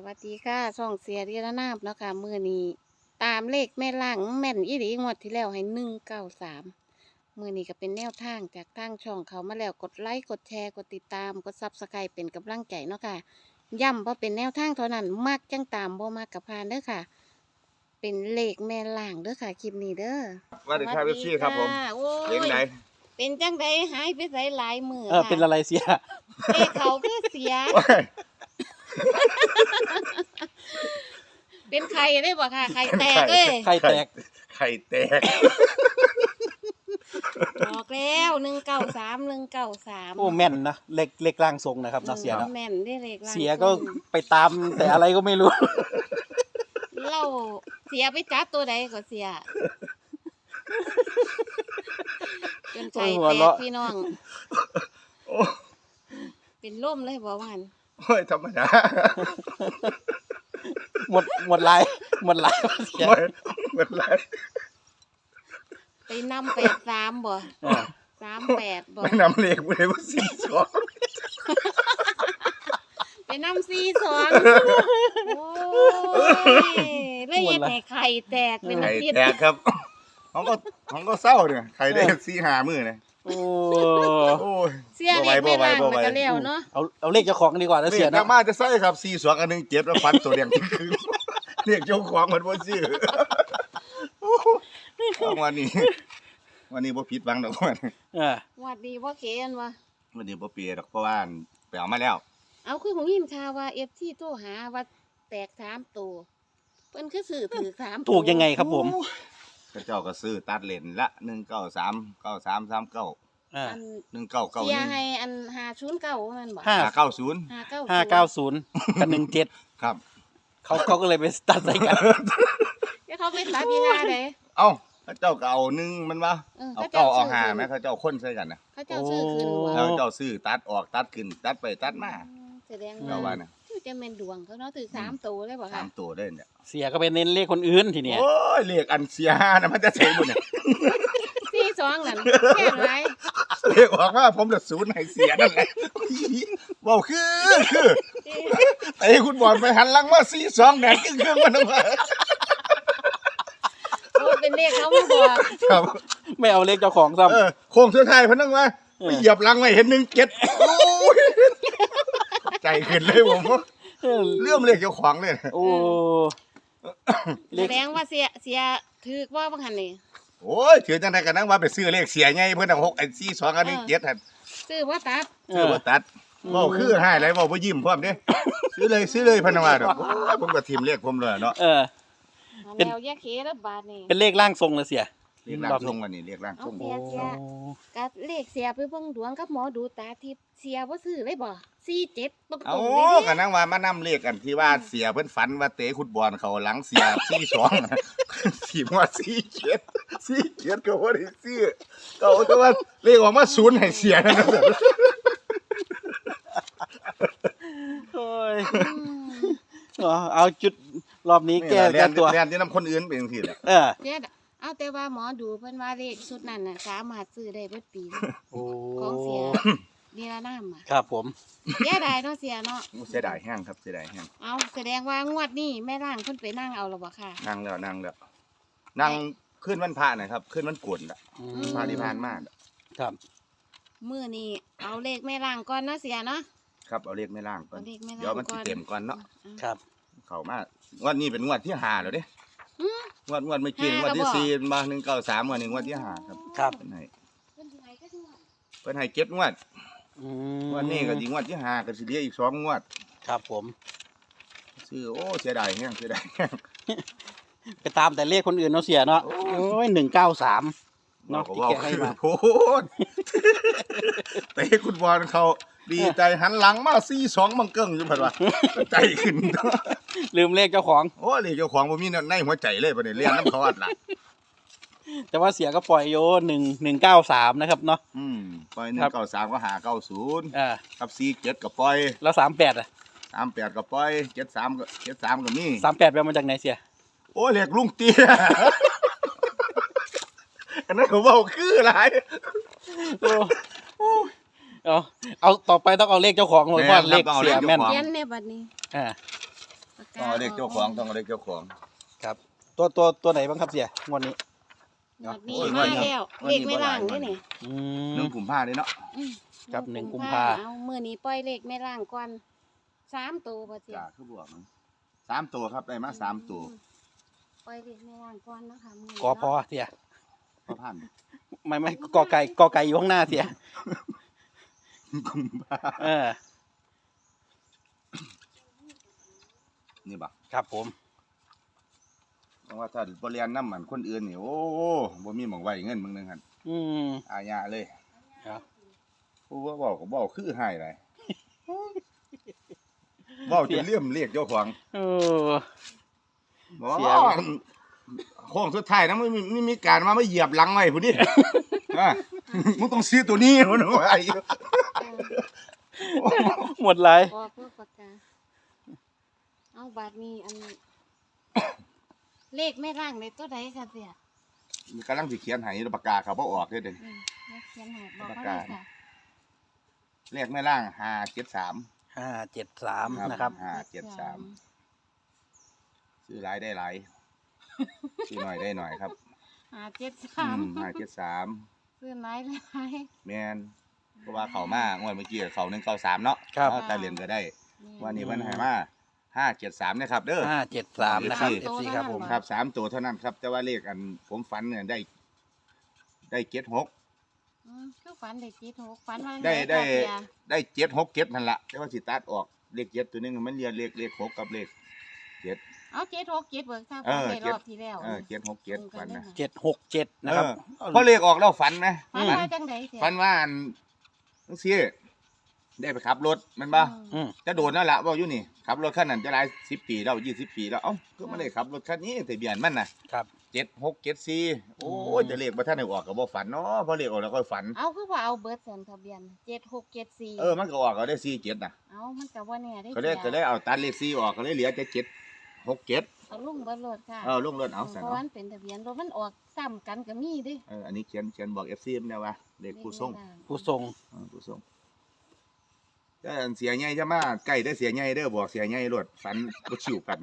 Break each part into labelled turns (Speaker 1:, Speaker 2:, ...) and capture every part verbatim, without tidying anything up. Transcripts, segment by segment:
Speaker 1: วัสดีค่ะช่องเสียดีระนาบแล้วค่ะมือนี้ตามเลขแม่ล่างแม่นอีหลีงวดที่แล้วให้หนึ่งเก้าสามมือนี้ก็เป็นแนวทางจากทางช่องเขามาแล้วกดไลค์กดแชร์กดติดตามกดซับสไครป์เป็นกำลังใจเนาะค่ะย้ำเพราะเป็นแนวทางเท่านั้นมักจังตามบ่มากกับพานเด้อค่ะ เป็นเลขแม่ล่างเด้อค่ะคลิปนี้เด้อ
Speaker 2: สวัสดีครับเอฟซีครับผม
Speaker 1: ค่ะโอ้
Speaker 2: เลี้ยงไหน
Speaker 1: เป็นจังไดหายไปไสหลายมือ
Speaker 3: เออ
Speaker 1: ค่ะ
Speaker 3: เป็นอะไรเสีย
Speaker 1: เลขเขาคือเสีย
Speaker 2: โอ้ย
Speaker 1: เป็นใครได้บ่ค่ะใครแตกเอ้ย
Speaker 3: ไข่แตก
Speaker 2: ไข่แตก
Speaker 1: บอกแล้วหนึ่งเก้าสามหนึ่งเก้าสาม
Speaker 3: โอ้แม่นนะเล็กเล็กร่างทรงนะครับเนาะเสียเนาะ
Speaker 1: แม่นได้เลขล่าง
Speaker 3: เสียก็ไปตามแต่อะไรก็ไม่รู้
Speaker 1: เราเสียไปจับตัวใดก็เสียจนใจ
Speaker 3: โอ้ยหัว
Speaker 1: แตก
Speaker 3: เราะ
Speaker 1: พี่น้อง
Speaker 2: โอ้
Speaker 1: เป็นล่มเลยบอกว่าหัน
Speaker 2: โอ้ยธรรมดา
Speaker 3: หมดหมดลายหมดลายเสีย
Speaker 2: โอ้ยเหมือนไร
Speaker 1: ไปนำแปดสามบ่
Speaker 3: เออ
Speaker 1: สามแปดบ่
Speaker 2: ไม่นำเลขไปเลยว่าสี่สอง
Speaker 1: ไปนำสี่สองโอ้ยแล้วเย็ดให้ไข่แตกเป็นอา
Speaker 2: ไข่
Speaker 1: ทิตย์
Speaker 2: แตกครับของก็ของก็เศร้าเนี่ยไข่ได้สี่หามือเนี่ย
Speaker 3: โอ้
Speaker 2: โอ้ย
Speaker 1: เสียเด็กไม่ล้างมันก็แล้วเนาะ
Speaker 3: เอาเอาเลขเจ้าของกันดีกว่าแล้ว
Speaker 2: เล
Speaker 3: เสีย
Speaker 2: ขนั
Speaker 3: เนาะ
Speaker 2: กมาจะใส่ครับสี่สองอันหนึ่งเจ็บแล้วฟันตัวเดียงที่คือเรียกเจ้าของมันว่าชื่อเอาวันนี้ วันนี้บ่ผิดหวังดอกวัน
Speaker 3: เออ
Speaker 1: หวัดดีว่าเกนวะ
Speaker 2: วันนี้บ่เปรียดอกเพราะว่าไปเอามาแล้ว
Speaker 1: เอาคือของยินข่าวว่าเอฟที่โทรหาว่าแตกสามตัวเพิ่นคือสื่อถือสามตัว
Speaker 3: ถูกยังไงครับผม
Speaker 2: พระเจ้าก็ซื้อตัดเลนละหนึ่งเก้าสามเก้าสามสามเก้า
Speaker 3: อ่า
Speaker 1: อัน
Speaker 2: หนึ่งเก้าเก้าห
Speaker 1: เสีย
Speaker 2: นึ่ง
Speaker 1: ให้อันหาชุนเก้ามันบอก
Speaker 3: ห้า
Speaker 2: ห้าเก้าศูนย์
Speaker 1: หาเก้า
Speaker 3: ห้าเก้าศูนย์กับหนึ่งเจ็ด
Speaker 2: ครับ
Speaker 3: เขาเขาก็เลยไปตัดใส่กัน
Speaker 1: เดี๋ยวเขาไปตัดพีนาเลย
Speaker 2: เอ้าพระเจ้าก็เอาหนึ่งมันวะ
Speaker 1: เออ
Speaker 2: เอา
Speaker 1: เขา
Speaker 2: เก้าเอา
Speaker 1: ซื้
Speaker 2: ห้า
Speaker 1: ขึ้น
Speaker 2: ไหมเขาเจ้าคนใส่กันนะ
Speaker 1: เขาเจ้าซื้อคืน
Speaker 3: โอ้
Speaker 1: วะ
Speaker 2: แล้วเจ้าซื้อตัดออกตัดขึ้นตัดไปตัดมา
Speaker 1: แสดง
Speaker 2: เจ้า
Speaker 1: ว่า
Speaker 2: ว่านะ
Speaker 1: ที่จะเป็นดวงเขาเนาะถือสามตัวเลยบอก
Speaker 2: สา
Speaker 1: ค่ะ
Speaker 2: มตัวได้เนี่ย
Speaker 3: เสียก็ไปเน้นเลขคนอื่นทีเนี้ย
Speaker 2: โอ้ยเลขอันเสียห้านะมันจะเสียหมดเนี่ย
Speaker 1: สี่สองนั่นแค่ไร
Speaker 2: เลขออกมาผมจะศูนย์ให้เสียนั่นแหละเว้าคือคือไอ้คุณบอลไปหันหลังมาสี่สองแดงครึ่งเครื่องมันออกมา
Speaker 1: โอ้เป็นเลขเขามาบอก
Speaker 2: ครับ
Speaker 3: ไม่เอาเลขเจ้าของซ้
Speaker 2: เออโค้งสุดท้ายเพนนังว่าไปเหยียบหลังไว้เห็นหนึ่งเจ็ดโอ้ยใจขึ้นเลยผม
Speaker 3: ำเออ
Speaker 2: เลื่อมเลขเจ้าของเลย
Speaker 3: โอ้ เล
Speaker 1: แส
Speaker 3: ข
Speaker 1: ดงว่าเสียเสียถือว่าบางหันนี่
Speaker 2: โอ้ยถือจังไดกันนั่งว่าไปซื้อเลขเสียไงเพื่อนเอาหกไอ้สี่สองอันหนึ่งเจ็ดหัน
Speaker 1: ซื้อว่าตัด
Speaker 3: เอ
Speaker 2: ซื้อ
Speaker 3: อ
Speaker 2: บ่ตัดเว้าคือให้ไรเว้าบ่ยิ้มพร้อมเด้ซื้อเลยซื้อเลยพะนังว่าดอกโอ้ยผมก็ทีมเลขผมเลยเนาะ
Speaker 3: เออ
Speaker 1: แมวแยกเคแล้วบาทนี่
Speaker 3: เป็นเลขร่างทรงเลยเสีย
Speaker 2: เลขร่างทรงวันนี้เลขร่างทรง
Speaker 1: เสียเสียกับเลขเสียไปเบิ่งดวงกับหมอดูตาทิพย์เสียว่าซื้อเลยบ่สี่เจ็ดตรง
Speaker 2: เอา
Speaker 1: ๆเลย
Speaker 2: ก็นั่งว่ามานํเลขกันที่ว่าเสียเพิ่นฝันว่าเตะฟุตบอลเขาหลังเสียสี่สองสี่ว่าสี่เจ็ดสี่เจ็ดก็บ่ได้ซื้อก็เอาแต่ว่าเลขออกมาศูนย์ให้เสียนั่นน่ะ
Speaker 3: โอ้ย
Speaker 1: อืม
Speaker 3: เอาเอาจุดรอบนี้แก้
Speaker 2: เรี
Speaker 3: แก้
Speaker 2: ยน
Speaker 3: ตัว
Speaker 2: เรียนที่นํคนอื่นเป็นจังซี่แหละ
Speaker 3: เออ
Speaker 1: เสียเอาแต่ว่าหมอดูเพิ่นว่าเลขชุดนั้นน่ะสามารถซื้อได้เบิดปีเลย
Speaker 3: โอ้
Speaker 1: ของเสียดีละน้ำอ่ะ
Speaker 3: ครับผม
Speaker 1: เสียดายเนาะเสียเนาะ
Speaker 2: เสียดายแห้งครับเสียดายแห้ง
Speaker 1: เอาแสดงว่างวดนี้แม่ร่างเพิ่นไปนั่งเอาแล้วบ่ค่ะ
Speaker 2: นั่งแล้วนั่งแล้วนั่งขึ้นวันพระนะครับขึ้นวันกวนละ
Speaker 3: อื
Speaker 2: พระที่ผ่านมา
Speaker 3: ครับ
Speaker 1: มื้อนี้เอาเลขแม่ร่างก่อนเนาะเสียเนาะ
Speaker 2: ครับเอาเลขไม่ล่างก่อน
Speaker 1: เอาเลขแม่ร่าง
Speaker 2: เดี๋ยวมัน
Speaker 1: ก่
Speaker 2: สิ
Speaker 1: อน
Speaker 2: เต็มก่อนเนาะ
Speaker 3: ครับ
Speaker 2: เข้ามางวดนี้เป็นงวดที่ห้าแล้วเด้
Speaker 1: อืม
Speaker 2: งวดงวดเมื่อกี้
Speaker 1: ห้าง
Speaker 2: วดที่
Speaker 1: แล้วบ่
Speaker 2: สี่มาหนึ่งเก้าสามงวดนี้งวดที่ห้าครับ
Speaker 3: ครับ
Speaker 2: เพิ่นให้
Speaker 1: เพิ่นสิให้ก็ด้วย
Speaker 2: เพิ่นให้เจ็ดงวด
Speaker 3: อืม
Speaker 2: งวดนี้ก็สิงวดที่ห้าก็สิเหลืออีกสองงวด
Speaker 3: ครับผม
Speaker 2: ซื้อโอ้เสียดายแห้งเสียดายแห้ง
Speaker 3: ไปตามแต่เลขคนอื่นเนาะเสียเนาะ
Speaker 2: โอ้
Speaker 3: โอ้ยหนึ่งเก้าสาม เนาะ
Speaker 2: ก็
Speaker 3: ที่
Speaker 2: เว้า
Speaker 3: แกให้
Speaker 2: คือ
Speaker 3: มา
Speaker 2: โพดเตะคุณบอลเขาดีใจหันหลังมาสี่สองมังเกิ้งอยู่เพิ่นว่าใจขึ้น
Speaker 3: ลืมเลขเจ้าของ
Speaker 2: โอ้เลยเจ้าของบ่มีในหัวใจเลยบัดนี้เรียนน้ำเขาอัดล่ะ
Speaker 3: แต่ว่าเสียก็ปล่อยโยหนึ่งหนึ่งเก้าสามนะครับเนาะ
Speaker 2: อืมปล่อยหนึ่
Speaker 3: ครั
Speaker 2: ง
Speaker 3: บ
Speaker 2: เก้าสามก็หาเก้าศูนย์
Speaker 3: อ่า
Speaker 2: กับสี่เจ็ดก็ปล่อย
Speaker 3: แล้วสามแปดอ่ะ
Speaker 2: สามแปดก็ปล่อยเจ็ดสามก็เจ็ดสามก็มี
Speaker 3: สามแปดไปมาจากไหนเสีย
Speaker 2: โอ้เรียกลุงเตี้ย อันนั้นเขาเว้าคือหลาย
Speaker 3: โอ้เอาเอาต่อไปต้องเอาเลขเจ้าของเลยเพราะเลขเสียแม่น
Speaker 1: เขียนในบัดนี้
Speaker 3: อ่า
Speaker 1: ปาก
Speaker 2: ต้
Speaker 1: กา
Speaker 2: องเอาเลขเจ้าของต้องเอาเลขเจ้าของ
Speaker 3: ครับ ตัวตัวตัวไหนบ้างครับเสียงวดนี้
Speaker 1: งวดนี้
Speaker 2: โอ้ย
Speaker 1: มา
Speaker 2: วันนี้
Speaker 1: แล้ว
Speaker 2: วันนี้
Speaker 1: เลขไม่ล่าง
Speaker 2: บ่หลาย
Speaker 1: นี่นี่
Speaker 3: อื
Speaker 2: หนึ่
Speaker 3: ม
Speaker 2: งกุมภาเลยเนาะ
Speaker 1: อืม
Speaker 3: ครับหนึ่งกุม
Speaker 1: ภ
Speaker 3: ภา
Speaker 1: เอามื้อนี้ปล่อยเลขไม่ล่างก่อนสามตัวบ่เจีย
Speaker 2: จ้าคือบวกมันสามตัวครับได้มาสามตัว
Speaker 1: ปล่อยเลขไม่ล่างก่อนนะคะมื้อนี้
Speaker 3: กอพอเสีย
Speaker 2: พอพัน
Speaker 3: ไม่ไม่กอไก่กอไก่อยู่ข้างหน้าเสีย
Speaker 2: กุมภา
Speaker 3: เออ
Speaker 2: นี่บ่
Speaker 3: ครับผม
Speaker 2: เพราะว่าถ้าบ่เรียนน้ำมันคนอื่นนี่โอ้บ่มีหม่องไว้เงินมึงนึงหั่น
Speaker 3: อืม
Speaker 2: อาญาเลย
Speaker 3: ครับ
Speaker 2: ผู้ว่าบอกก็บอกคือให้ไรบอกจะเลี่ยมเรียกเจ้าของ
Speaker 3: เออ
Speaker 2: บอก
Speaker 3: เสีย
Speaker 2: โค้งสุดท้ายนะไม่มีไม่มีการมาไม่เหยียบหลังไว้ผู้นี้ อ่ะมึงต้องซื้อตัวนี้มันว่าไอ้
Speaker 3: หมดไร
Speaker 1: พอเพื่อปากกาเอาบาทนี้อันนี้ เลขไม่ล่างในตัวใดค่ะเสีย
Speaker 2: กำลังสิเขียนให้ปากกาเขาบ่ออกเด้อเด้อ
Speaker 1: อืมเลขเขียนใหบอก
Speaker 2: ปาก
Speaker 1: เขา
Speaker 2: กา
Speaker 1: เลยค่ะ
Speaker 2: เลขแม่ล่างห้าเจ็ดสาม
Speaker 3: ห้าเจ็ดสาม
Speaker 2: ครับ
Speaker 3: นะครับ
Speaker 2: ห้าเจ็ดสาม ซื้อหลายได้หลายซื้อหน่อยได้หน่อยครับ
Speaker 1: ห้าเจ็ด
Speaker 2: อื
Speaker 1: สาม
Speaker 2: มห้าเจ็ดสาม
Speaker 1: ซื้อไหนเลย
Speaker 2: แมนเพราะว่าเขามางวดเมื่อกี้เขาหนึ่งเก้าสามเนาะ
Speaker 3: ครับ
Speaker 2: เอาแต่เหรียญก็ได้ วันนี้มันให้มาห้าเจ็ดสามนะครับเด้อ
Speaker 3: ห้าเจ็ดสามนะครับ
Speaker 2: เอ
Speaker 3: เอ
Speaker 2: ฟ
Speaker 3: ฟ
Speaker 2: ซี
Speaker 3: ซีครับผม
Speaker 2: ครับสามตัวเท่านั้นครับ แต่ว่าเลขอันผมฝันเนี่ยได้ ได้เจ็ดหก
Speaker 1: อืมคือฝันได้จีหกฝันว่า
Speaker 2: ได้ได้
Speaker 1: ค่ะเสีย
Speaker 2: ได้เจ็ดหกเจ็ดนั่นแหละแต่ว่าสิตัดออกเลขเจ็ดตัวนึงมันเรียนเลขเลขหกกับเลขเจ็ด
Speaker 1: เอาเจ็ดหกเจ็ดเบิกทราบ
Speaker 2: เอ
Speaker 1: ฝัน
Speaker 2: อ
Speaker 1: ใน
Speaker 2: เจ็
Speaker 1: ร
Speaker 2: ด
Speaker 1: อบที่แล้ว
Speaker 2: เออเจ็ดหกเจ็ดฝันนะ
Speaker 3: เจ็ดหกเจ็ดนะครับ
Speaker 2: เออเพราะเลขออกแล้วฝันไหม
Speaker 1: ฝันว่าจังไดเสีย
Speaker 2: ฝันว่าอันนังซี่ได้ไปขับรถมันบ้า
Speaker 3: อืม
Speaker 2: จะโดนนั่นแหละว่าอยู่นี่ขับรถคันนั้นจะหลายสิบปีแล้วยี่สิบปีแล้วเอ้าก็ไม่ได้ขับรถคันนี้ทะเบียนมันน่ะ
Speaker 3: ครับ
Speaker 2: เจ็ดหกเจ็ดสี่โอ้ย
Speaker 3: อืม
Speaker 2: จะเลขมาท่านได้ออกกับบ่ฝันเนาะพอเลขออกแล้วก็ฝัน
Speaker 1: เอาคือว่าเอาเบิร์ดสันทะเบียนเจ็ดหกเจ็ดสี่
Speaker 2: เออมันก็ออกก็ได้สี่เจ็ดน่ะ
Speaker 1: เอามันกับว่าเนี่ยได้
Speaker 2: ก็เลยก็เลยเอาตัดเลขสี่ออกก็เลยเหลือแต่เจ็ดหกเจ็ด
Speaker 1: เอาลุ่มเบิร์ดรถค่ะ
Speaker 2: เออลงรถเอา
Speaker 1: เพ
Speaker 2: ซะ
Speaker 1: ราะ
Speaker 2: เนาะ
Speaker 1: มันเป็นทะเบียนรถมันออกซ้ำกันก็มีเดิ
Speaker 2: เอออันนี้เขียนเขียนบอกเอฟซีมันนะว่าเลขผู้ส่ง
Speaker 3: ผู้ทรง
Speaker 2: เออผู้ส่งแต่อันเสียใหญ่จะมาใกล้ได้เสียใหญ่เด้อบอกเสียใหญ่รถฝันบ่ชิวกัน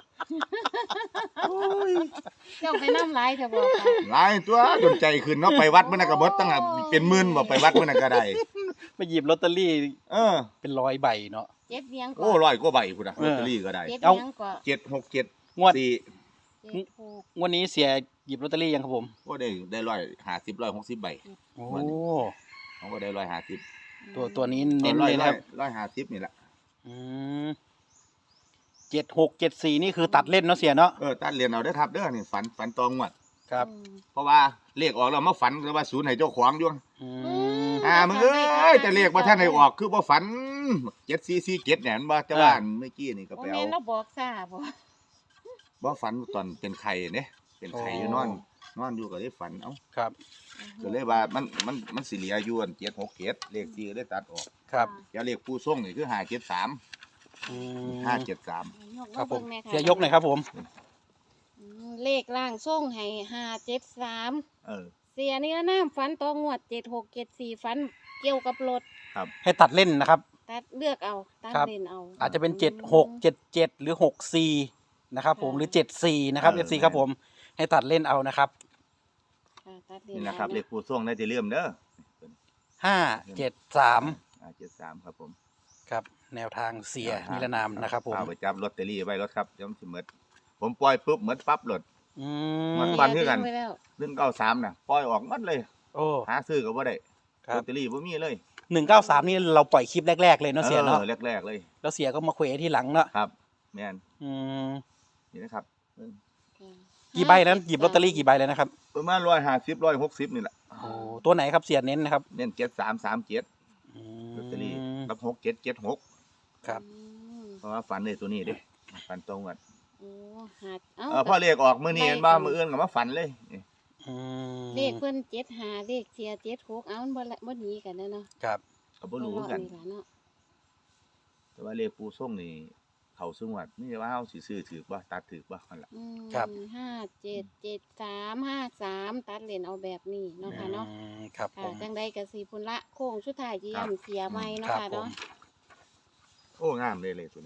Speaker 1: เจ้าไปน้ำลายจะบอกค่ะ
Speaker 2: หลายตัวจนใจขึ้นเนาะไปวัดมื้อนั้นก็เบิดตั้งแต่เป็นหมื่นบ่ไปวัดมื้อนั้นก็ได้
Speaker 3: ไปหยิบลอตเตอรี่
Speaker 2: เออ
Speaker 3: เป็นร้อยใบเนาะ
Speaker 1: เจ็ดเวียงก่
Speaker 2: โอ้ร้อยกว่าใบพุ่นน่ะ
Speaker 3: เอ
Speaker 2: ลอ
Speaker 3: อ
Speaker 2: ตเตอรี่ก็ได้
Speaker 1: เจ็ด
Speaker 3: เอา
Speaker 1: เวียงก่อน
Speaker 2: เจ็ดหกเจ็ด
Speaker 3: งวด
Speaker 2: สี่
Speaker 1: เจ็ดหก
Speaker 3: งวันนี้เสียหยิบลอตเตอรี่ยังครับผม
Speaker 2: ก็ได้ได้ร้อยห้าสิบร้อยหกสิบใบ
Speaker 3: โอ้
Speaker 2: เขาก็ได้ร้อยห้าสิบ
Speaker 3: ตัวตัวนี้เน้น
Speaker 2: ร้อ
Speaker 3: เลย ย
Speaker 2: ร้
Speaker 3: นะ
Speaker 2: อ
Speaker 3: ค
Speaker 2: ย
Speaker 3: รับ
Speaker 2: ร้อยห้าสิบนี่แหละ
Speaker 3: อืมเจ็ดหกเจ็ดสี่นี่คือตัดเล่นเนาะเสียเนาะ
Speaker 2: เออตัดเรียนเอาเด้อครับเด้อนี่ฝันฝันตองงวด
Speaker 3: ครับ
Speaker 1: อืม
Speaker 2: เพราะว่าเลขออกแล้วมาฝันแล้วว่าศูนย์ให้เจ้าของอยู่
Speaker 3: อื
Speaker 1: อื
Speaker 3: ม
Speaker 2: อ่ามึงเอ้ยแต่เลขบ่ทันให้ออกคือบ่ฝันเจ็ดสี่สี่เจ็ดเนี่ยมันบ่แต่ว่าอันเมื่อกี้นี่ก็
Speaker 1: โอ้
Speaker 2: ไป
Speaker 1: แม่
Speaker 2: เอา
Speaker 1: นเราบอกซ่าบ่
Speaker 2: บ่ฝันตอนเป็นไข่เด้เป็นไข่อยู่นอน นอนอยู่ก็ได้ฝันเอ้า
Speaker 3: ครับ
Speaker 2: ก็เลยว่ามันมันมันสิเหลืออยู่อันเจ็ดหกเจ็ดเลขที่ก็ได้ตัดออก
Speaker 3: ครับ
Speaker 2: แล้วเลขผู้ส่งนี่คือห้าเจ็ดสาม
Speaker 3: อืม
Speaker 2: ห้าเจ็ดสาม
Speaker 1: ยก
Speaker 3: ครับผม
Speaker 1: าบิ่งแน่ะ
Speaker 3: เสียยกหน่อยครับผม
Speaker 1: อืมเลขล่างส่งให้ห้าเจ็ดสาม
Speaker 2: เออ
Speaker 1: เสียนี่น้ำฝันต่องวดเจ็ดหกเจ็ดสี่ฝันเกี่ยวกับรถ
Speaker 3: ให้ตัดเล่นนะครับ
Speaker 1: ตัดเลือกเอาตัด
Speaker 3: ครับ
Speaker 1: เลนเอา
Speaker 3: อาจจะเป็นเจ็ดหกเจ็ดเจ็ดหรือหกสี่นะครับผมหรือเจ็ดสี่นะครับเอฟซีครับผม ให้ตัดเล่นเอานะครับ
Speaker 1: ค่ะตัดเลน
Speaker 2: นี่
Speaker 1: เอา
Speaker 2: นะครับเลขผู้ส่งได้จะเริ่มเด้อ
Speaker 3: ห้าเจ็ดสาม
Speaker 2: ห้าเจ็ดสามครับผม
Speaker 3: ครับ แนวทางเสียนิรนามนะครับผม
Speaker 2: เอาไปจับลอตเตอรี่ไว้รถครับเดี๋ยวมันสิหมดผมปล่อยปุ๊บหมดปั๊บรถ
Speaker 3: อื
Speaker 2: มั
Speaker 3: ม
Speaker 2: น ฟัคือกัน
Speaker 1: เสียทิ้งไว้แล้ว
Speaker 2: หนึ่งเก้าสามน่ะปล่อยออกหมดเลย
Speaker 3: โอ้
Speaker 2: หาซื้อก็บ่ได้
Speaker 3: ครั
Speaker 2: ล
Speaker 3: บ
Speaker 2: อตเตอรี่บ่มีเลย
Speaker 3: หนึ่งเก้าสามนี่เราปล่อยคลิปแรกๆเลยเนาะเสียเนาะ
Speaker 2: ออแรกๆเลย
Speaker 3: แล้วเสียก็มาเควที่หลังเนาะ
Speaker 2: ครับ แม่น
Speaker 3: อืม
Speaker 2: นี่นะครับเออ
Speaker 1: ค่ะ
Speaker 3: กี่ใบนั้นหยิบลอตเตอรี่กี่ใบเลยนะครับ
Speaker 2: ประมาณร้อยห้าสิบร้อยหกสิบนี่แหละ
Speaker 3: โอ้ตัวไหนครับเสียเน้นนะครับ
Speaker 2: เน้นเจ็ดสามสามเจ็ด
Speaker 3: อื
Speaker 2: ลอตเตอรี่
Speaker 3: ม
Speaker 2: รับหกเจ็ดเจ็ดหก
Speaker 3: ครับ
Speaker 1: อืม
Speaker 2: เพราะว่าฝันเลยตัวนี้เด้ฝันตรงกัน
Speaker 1: โอ้หาดเอ้า
Speaker 2: เออพอเลขออกมื้อนี้เห็นบ่มื้ออื่นก็มาฝันเลยนี่
Speaker 3: อืม
Speaker 1: เลขเพิ่นเจ็ดหาเลขเสียเจ็ดหกเอามันบ่ละบ่หนีกันนะเนาะ
Speaker 3: ครับ
Speaker 2: ก็บ่รู้คือกัน
Speaker 1: ล่ะเนาะ
Speaker 2: แต่ว่าเลขปูส่งนี่เขาสูงวัดนี่ว่าเฮาสิซื้อถือบ่ตัดถือบ่นั่นล่ะ
Speaker 1: อืม
Speaker 3: ครับ
Speaker 1: ห้าเจ็ดเจ็ดสามห้าสามตัดเลนเอาแบบนี้เนาะค่ะเนาะ
Speaker 3: อืมครับผ
Speaker 1: ค่ะ
Speaker 3: ม
Speaker 1: จังใดก็สิพุ่นละโค้งสุดท้ายที่
Speaker 2: ครับ
Speaker 1: ย่ำเสียใหม่เนาะ
Speaker 3: ครับ
Speaker 1: ค่ะเนาะ
Speaker 3: ผม
Speaker 2: โอ้งามเลยเลยตัวนี้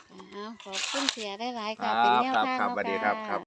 Speaker 1: อ้าวขอบคุณเสียได้หลายๆ
Speaker 2: ครั
Speaker 1: ค่ะ
Speaker 2: บ
Speaker 1: เป็นแนว
Speaker 2: ครับ
Speaker 1: ทาง
Speaker 2: ครับ
Speaker 1: เนาะ
Speaker 2: สวัสดีครับ
Speaker 1: ค่ะ
Speaker 2: ครับ